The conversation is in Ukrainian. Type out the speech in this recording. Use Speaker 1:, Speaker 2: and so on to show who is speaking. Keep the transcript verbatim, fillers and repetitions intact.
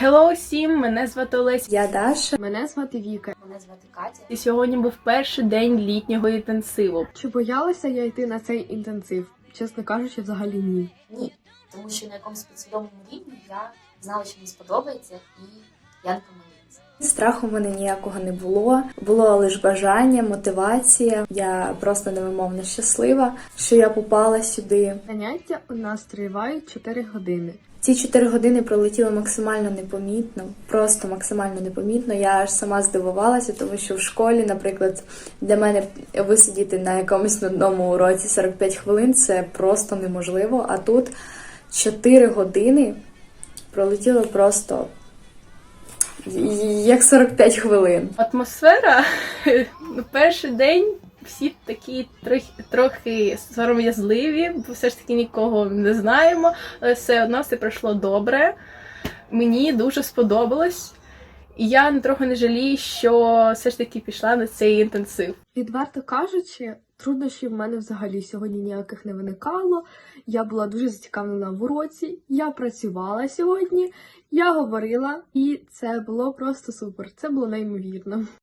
Speaker 1: Hello всім, мене звати Олеся.
Speaker 2: Я Даша.
Speaker 3: Мене звати Віка.
Speaker 4: Мене звати Катя.
Speaker 1: І сьогодні був перший день літнього інтенсиву.
Speaker 3: Чи боялася я йти на цей інтенсив? Чесно кажучи, взагалі ні.
Speaker 4: Ні, тому що на якомусь підсвідомому рівні я знала, що мені сподобається, і я не помилилася.
Speaker 2: Страху в мене ніякого не було. Було лише бажання, мотивація. Я просто невимовно щаслива, що я попала сюди.
Speaker 3: Заняття у нас тривають чотири години.
Speaker 2: Ці чотири години пролетіли максимально непомітно, просто максимально непомітно. Я аж сама здивувалася, тому що в школі, наприклад, для мене висидіти на якомусь нудному уроці сорок п'ять хвилин – це просто неможливо. А тут чотири години пролетіло просто як сорок п'ять хвилин.
Speaker 1: Атмосфера, перший день всі такі трохи, трохи сором'язливі, бо все ж таки нікого не знаємо, але все одно все пройшло добре. Мені дуже сподобалось. І я трохи не жалію, що все ж таки пішла на цей інтенсив.
Speaker 3: Відверто кажучи, труднощів в мене взагалі сьогодні ніяких не виникало. Я була дуже зацікавлена в уроці, я працювала сьогодні, я говорила, і це було просто супер, це було неймовірно.